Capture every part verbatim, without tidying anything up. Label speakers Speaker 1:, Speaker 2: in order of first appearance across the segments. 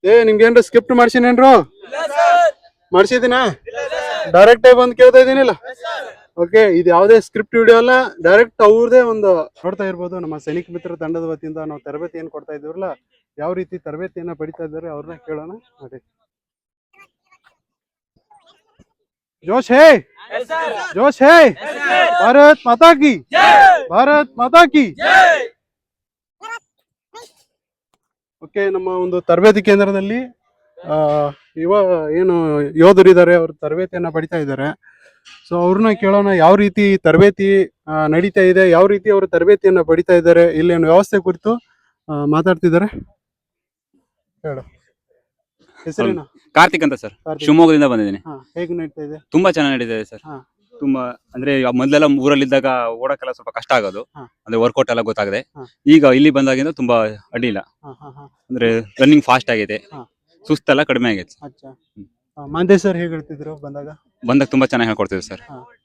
Speaker 1: ಏ ನಿಮ್ಗೇನ್ರ script ಮಾಡ್ಸಿನೇನ್ರು ಮಾಡ್ಸಿದಿನ direct ಆಗಿ ಬಂದು ಕೇಳ್ತಾ ಇದೀನಿಲ್ಲ. ಓಕೆ, ಇದು ಯಾವುದೇ ಸ್ಕ್ರಿಪ್ಟ್ ವಿಡಿಯೋ ಅಲ್ಲ, ಡೈರೆಕ್ಟ್ ಅವ್ರದೇ ಒಂದು ನೋಡ್ತಾ ಇರ್ಬೋದು. ನಮ್ಮ ಸೈನಿಕ ಮಿತ್ರ ತಂಡದ ವತಿಯಿಂದ ನಾವು ತರಬೇತಿ ಏನ್ ಕೊಡ್ತಾ ಇದ್ದೀವಲ್ಲ, ಯಾವ ರೀತಿ ತರಬೇತಿಯನ್ನ ಪಡಿತಾ ಇದ್ದಾರೆ ಅವ್ರನ್ನ ಕೇಳೋಣ. ನೋಡಿ, जोश है, जोश है, भारत माता की, ಭಾರತ್ ಮಾತಾ ಕಿ. ಓಕೆ, ನಮ್ಮ ಒಂದು ತರಬೇತಿ ಕೇಂದ್ರದಲ್ಲಿ ಆ ಯುವ ಏನು ಯೋಧರಿದ್ದಾರೆ, ಅವರು ತರಬೇತಿಯನ್ನ ಪಡಿತಾ ಇದ್ದಾರೆ. ಸೊ ಅವ್ರನ್ನ ಕೇಳೋಣ ಯಾವ ರೀತಿ ತರಬೇತಿ ನಡೀತಾ ಇದೆ, ಯಾವ ರೀತಿ ಅವರು ತರಬೇತಿಯನ್ನ ಪಡಿತಾ ಇದ್ದಾರೆ, ಇಲ್ಲಿನ ವ್ಯವಸ್ಥೆ ಕುರಿತು ಮಾತಾಡ್ತಿದ್ದಾರೆ. ಹೇಳು, ಹೆಸರೇನು?
Speaker 2: ಕಾರ್ತಿಕ್ ಅಂತ ಸರ್, ಶಿವಮೊಗ್ಗದಿಂದ ಬಂದಿದ್ದೀನಿ.
Speaker 1: ಹೇಗೆ ನಡೀತಾ ಇದೆ?
Speaker 2: ತುಂಬಾ ಚೆನ್ನಾಗಿ ನಡೀತಾ ಇದೆ ಸರ್. ತುಂಬಾ ಅಂದ್ರೆ ಮೊದಲೆಲ್ಲ ಊರಲ್ಲಿದ್ದಾಗ ಓಡಕ್ಕೆಲ್ಲ ಸ್ವಲ್ಪ ಕಷ್ಟ ಆಗೋದು, ಅಂದ್ರೆ ವರ್ಕೌಟ್ ಎಲ್ಲ ಗೊತ್ತಾಗದೆ. ಈಗ ಇಲ್ಲಿ ಬಂದಾಗಿಂದ ತುಂಬಾ ಅಡ್ಡಿಲ್ಲ, ಅಂದ್ರೆ ರನ್ನಿಂಗ್ ಫಾಸ್ಟ್ ಆಗಿದೆ, ಸುಸ್ತೆಲ್ಲ ಕಡಿಮೆ ಆಗೈತೆ.
Speaker 1: ಮಾಂದೇ ಸರ್ ಹೇಗೆ ಹೇಳ್ತಿದ್ರು ಬಂದಾಗ?
Speaker 2: ಬಂದಾಗ ತುಂಬಾ ಚೆನ್ನಾಗಿ ಹೇಳ್ಕೊಡ್ತಿದ್ರು ಸರ್.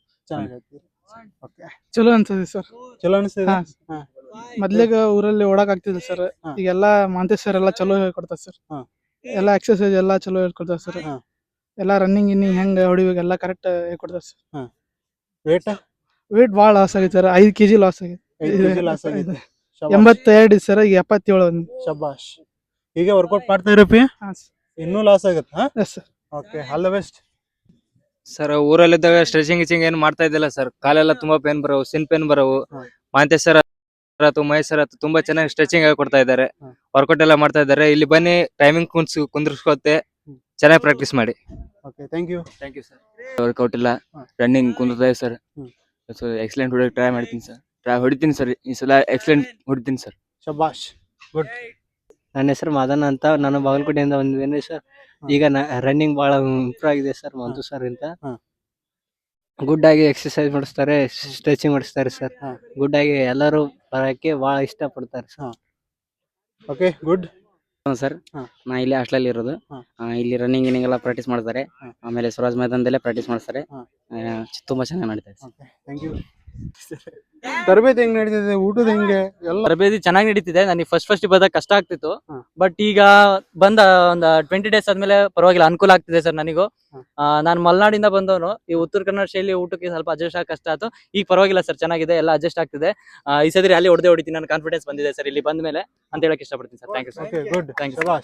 Speaker 3: ಚಲೋ ಅನ್ಸದೆ ಸರ್.
Speaker 1: ಚಲೋ ಅನಿಸ್ತದೆ.
Speaker 3: ಮೊದ್ಲಿಗ ಊರಲ್ಲಿ ಓಡಾಕ್ ಆಗ್ತಿದೆ ಸರ್, ಈಗೆಲ್ಲಾ ಮಾಂತೇಶ್ ಸರ್ ಎಲ್ಲಾ ಚಲೋ ಹೇಳ್ಕೊಡ್ತಾರೆ ಸರ್. ಎಲ್ಲಾ ಎಕ್ಸರ್ಸೈಸ್ ಎಲ್ಲಾ ಚಲೋ ಹೇಳ್ಕೊಡ್ತಾರೆ ಸರ್. ಎಲ್ಲಾ ರನ್ನಿಂಗ್ ಇನ್ನಿಂಗ್ ಹೆಂಗ್ ಹೊಡಿಬೇಕು ಎಲ್ಲಾ ಕರೆಕ್ಟ್ ಹೇಳ್ಕೊಡ್ತಾರೆ ಸರ್.
Speaker 1: ವೇಟ್
Speaker 3: ವೇಟ್ ಬಾಳ ಲಾಸ್ ಆಗೈತೆ ಸರ್, ಐದು ಕೆಜಿ ಲಾಸ್ ಆಗೈತೆ. ಎಂಬತ್ತೆರಡು ಸರ್, ಈಗ ಎಪ್ಪತ್ತೇಳು.
Speaker 1: ಶಬಾಷ್. ಈಗ ವರ್ಕೌಟ್ ಮಾಡ್ತಾ ಇರಪ್ಪಿ, ಇನ್ನೂ ಲಾಸ್ ಆಗುತ್ತೆ. Okay, all the best
Speaker 4: sir. ಊರಲ್ಲಿದ್ದಾಗ ಸ್ಟ್ರೆಚಿಂಗ್ ಗಿಚಿಂಗ್ ಏನು ಮಾಡ್ತಾ ಇದ್ದಿಲ್ಲ ಸರ್, ಕಾಲೆಲ್ಲ ತುಂಬಾ ಪೇನ್ ಬರೋವು, ಸಿನ್ ಪೇನ್ ಬರೋವು. ಮಾಂತೇಶ್ ಸರ್ ಆಯ್ತು, ಮಹೇಶ್ ಸರ್ ಆಯ್ತು, ತುಂಬಾ ಚೆನ್ನಾಗಿ ಸ್ಟ್ರೆಚಿಂಗ್ ಕೊಡ್ತಾ ಇದ್ದಾರೆ, ವರ್ಕೌಟ್ ಎಲ್ಲ ಮಾಡ್ತಾ ಇದ್ದಾರೆ. ಇಲ್ಲಿ ಬನ್ನಿ, ಟೈಮಿಂಗ್ ಕುಂದ್ಸ್ ಕುಂದ್ರಿಸ್ಕೊತ್ತೆ, ಚೆನ್ನಾಗಿ ಪ್ರಾಕ್ಟೀಸ್ ಮಾಡಿ.
Speaker 1: Okay, thank you.
Speaker 4: Thank you sir. Workout ಇಲ್ಲ, ರನ್ನಿಂಗ್ ಕುಂದಿರ್ತಾ ಇದೆ ಸರ್. ಎಕ್ಸಲೆಂಟ್ ಹೊಡಿಯೋಕೆ ಟ್ರೈ ಮಾಡ್ತೀನಿ ಸರ್, ಟ್ರೈ ಹೊಡಿತೀನಿ ಸರ್, ಈ ಸಲ ಎಕ್ಸಲೆಂಟ್ ಹೊಡಿತೀನಿ ಸರ್.
Speaker 1: ಶಬಾಷ್, ಗುಡ್.
Speaker 5: ನನ್ನ ಹೆಸರು ಮಾದನ ಅಂತ, ನಾನು ಬಾಗಲಕೋಟೆಯಿಂದ ಬಂದಿದ್ದೇನೆ ಸರ್. ಈಗ ರನ್ನಿಂಗ್ ಬಹಳ ಇಂಪ್ರೂವ್ ಆಗಿದೆ ಸರ್, ಮಂತು ಸರ್ ಅಂತ. ಗುಡ್ ಆಗಿ ಎಕ್ಸರ್ಸೈಸ್ ಮಾಡಿಸ್ತಾರೆ, ಸ್ಟ್ರೆಚಿಂಗ್ ಮಾಡಿಸ್ತಾರೆ ಸರ್. ಗುಡ್ ಆಗಿ ಎಲ್ಲರೂ ಬರೋಕ್ಕೆ ಬಹಳ ಇಷ್ಟ ಪಡ್ತಾರೆ ಸರ್.
Speaker 1: Okay, good
Speaker 5: sir. ನಾ ಇಲ್ಲಿ ಹಾಸ್ಟೆಲ್ ಇರೋದು, ಇಲ್ಲಿ ರನ್ನಿಂಗ್ ಗಿನ್ನಿಂಗ್ ಎಲ್ಲ ಪ್ರಾಕ್ಟೀಸ್ ಮಾಡ್ತಾರೆ. ಆಮೇಲೆ ಸ್ವರಾಜ್ ಮೈದಾನದಲ್ಲೇ ಪ್ರಾಕ್ಟೀಸ್ ಮಾಡ್ತಾರೆ. ತುಂಬಾ ಚೆನ್ನಾಗಿ ನಡೀತಾರೆ ಸರ್.
Speaker 1: Thank you. ತರಬೇತಿ ಹೆಂಗ್ ನಡೀತಿದೆ, ಊಟದ ಹೆಂಗೆ ಎಲ್ಲ?
Speaker 6: ತರಬೇತಿ ಚೆನ್ನಾಗಿ ನಡೀತಿದೆ. ನನಗೆ ಫಸ್ಟ್ ಫಸ್ಟ್ ಬಂದಾಗ ಕಷ್ಟ ಆಗ್ತಿತ್ತು, ಬಟ್ ಈಗ ಬಂದ ಒಂದ್ ಟ್ವೆಂಟಿ ಡೇಸ್ ಆದ್ಮೇಲೆ ಪರವಾಗಿಲ್ಲ, ಅನುಕೂಲ ಆಗ್ತಿದೆ ಸರ್ ನನಗೂ. ನಾನು ಮಲೆನಾಡಿಂದ ಬಂದವನು, ಈ ಉತ್ತರ ಕನ್ನಡ ಶೈಲಿ ಊಟಕ್ಕೆ ಸ್ವಲ್ಪ ಅಡ್ಜಸ್ಟ್ ಆಗಿ ಕಷ್ಟ ಆಯ್ತು. ಈಗ ಪರವಾಗಿಲ್ಲ ಸರ್, ಚೆನ್ನಾಗಿದೆ, ಎಲ್ಲ ಅಡ್ಜಸ್ಟ್ ಆಗ್ತಿದೆ. ಈ ಸರಿ ಅಲ್ಲಿ ಹೊಡೆದೇ ಹೊಡಿತೀನಿ, ನನ್ನ ಕಾನ್ಫಿಡೆನ್ಸ್ ಬಂದಿದೆ ಸರ್ ಇಲ್ಲಿ ಬಂದ ಮೇಲೆ ಅಂತ ಹೇಳಕ್ ಇಷ್ಟಪಡ್ತೀನಿ sir. Thank you sir.
Speaker 1: Okay, good, thank you.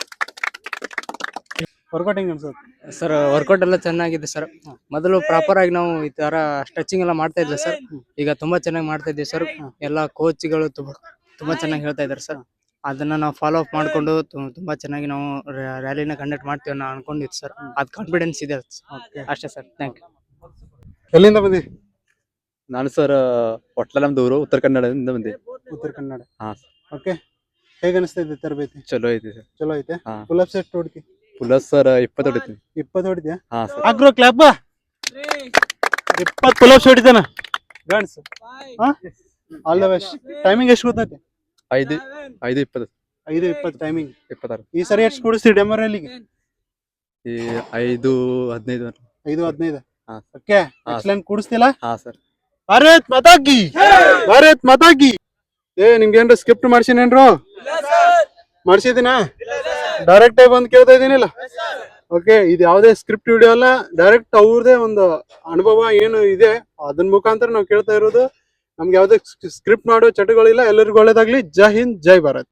Speaker 1: Workout ಹೆಂಗ್ ಅನ್ಸುತ್ತೆ
Speaker 5: ಸರ್? ವರ್ಕೌಟ್ ಎಲ್ಲ ಚೆನ್ನಾಗಿದೆ ಸರ್. ಮೊದಲು ಪ್ರಾಪರ್ ಆಗಿ ನಾವು ಈ ತರ ಸ್ಟ್ರೆಚಿಂಗ್ ಎಲ್ಲ ಮಾಡ್ತಾ ಇದ್ವಿ ಸರ್, ಈಗ ತುಂಬಾ ಚೆನ್ನಾಗಿ ಮಾಡ್ತಾ ಇದ್ದೀವಿ ಸರ್. ಎಲ್ಲ ಕೋಚ್ಗಳು ತುಂಬಾ ತುಂಬಾ ಚೆನ್ನಾಗಿ ಹೇಳ್ತಾ ಇದ್ದಾರೆ ಸರ್. ಅದನ್ನ ನಾವು ಫಾಲೋ ಅಪ್ ಮಾಡ್ಕೊಂಡು ತುಂಬಾ ಚೆನ್ನಾಗಿ ನಾವು ರ್ಯಾಲಿನ ಕಂಡಕ್ಟ್ ಮಾಡ್ತೀವಿ ಅನ್ನೋ ಅನ್ಕೊಂಡಿದ್ವಿ ಸರ್. ಅದ್ ಕಾನ್ಫಿಡೆನ್ಸ್ ಇದೆ ಅಷ್ಟೇ ಸರ್. Thank you.
Speaker 1: ಎಲ್ಲಿಂದ ಬಂದಿ?
Speaker 7: ನಾನು ಸರ್ ಹೊಟ್ಲ ನಮ್ದು ಊರು ಉತ್ತರ ಕನ್ನಡದಿಂದ ಬಂದೆ.
Speaker 1: ಉತ್ತರ ಕನ್ನಡ.
Speaker 7: ಹಾ.
Speaker 1: ಓಕೆ, ಹೇಗೆ ಅನಿಸ್ತಾ ಇದೆ ತರಬೇತಿ?
Speaker 7: ಚಲೋ ಐತಿ ಸರ್.
Speaker 1: ಚಲೋ ಐತೆ.
Speaker 7: ಹಾ.
Speaker 1: ಫುಲ್ ಅಪ್ ಸೆಟ್ ಹೊಡ್ತಿ?
Speaker 7: ಪ್ಲಸ್ ಸರ್ ಇಪ್ಪತ್ತು ಹೊಡಿತೀನಿ.
Speaker 1: ಇಪ್ಪತ್ತು ಹೊಡಿದ್ಯಾ?
Speaker 7: ಹಾ ಸರ್.
Speaker 1: ಆಗ್ರೋ ಕ್ಲಾಪ್. ಇಪ್ಪತ್ತು ಫುಲ್ ಅಪ್ಸ್ ಹೊಡಿತಾನ ಗಣ್ಸ್. ಹಾ, ಆಲ್ ದ ಬೆಸ್ಟ್. ಟೈಮಿಂಗ್ ಎಷ್ಟು ಗೊತ್ತೈತೆ?
Speaker 7: ಐದು ಐದು ಇಪ್ಪತ್ತು.
Speaker 1: ಐದು ಇಪ್ಪತ್ತು ಟೈಮಿಂಗ್.
Speaker 7: ಇಪ್ಪತ್ತಾರು.
Speaker 1: ಈ ಸರಿ ಎಷ್ಟು ಕೊಡಿಸ್ತೀವಿ ಡೆಮೋ ರ್ಯಾಲಿಗೆ?
Speaker 7: ಈ ಐದು ಹದಿನೈದು.
Speaker 1: ಐದು ಹದಿನೈದು.
Speaker 7: ಹಾ.
Speaker 1: ಓಕೆ, ಎಕ್ಸಲೆಂಟ್ ಕೂಡಿಸ್ತಿಲ್ಲ?
Speaker 7: ಹಾ ಸರ್.
Speaker 1: ಭಾರತ್ ಮಾತಾ ಕಿ, ಭಾರತ್ ಮಾತಾ ಕಿ. ಏ ನಿಮ್ಗೇನ್ರ ಸ್ಕ್ರಿಪ್ಟ್ ಮಾಡ್ಸಿನೇನ್ರು ಮಾಡ್ಸಿದಿನ ಡೈರೆಕ್ಟ್ ಆಗಿ ಬಂದು ಕೇಳ್ತಾ ಇದೀನಿಲ್ಲ. ಓಕೆ, ಇದು ಯಾವುದೇ ಸ್ಕ್ರಿಪ್ಟ್ ವಿಡಿಯೋ ಅಲ್ಲ, ಡೈರೆಕ್ಟ್ ಅವ್ರದೇ ಒಂದು ಅನುಭವ ಏನು ಇದೆ ಅದನ್ನ ಮುಖಾಂತರ ನಾವು ಕೇಳ್ತಾ ಇರೋದು. ನಮ್ಗೆ ಯಾವುದೇ ಸ್ಕ್ರಿಪ್ಟ್ ಮಾಡೋ ಚಟಗಳಿಲ್ಲ. ಎಲ್ಲರಿಗೂ ಒಳ್ಳೇದಾಗ್ಲಿ. ಜೈ ಹಿಂದ್, ಜೈ ಭಾರತ್.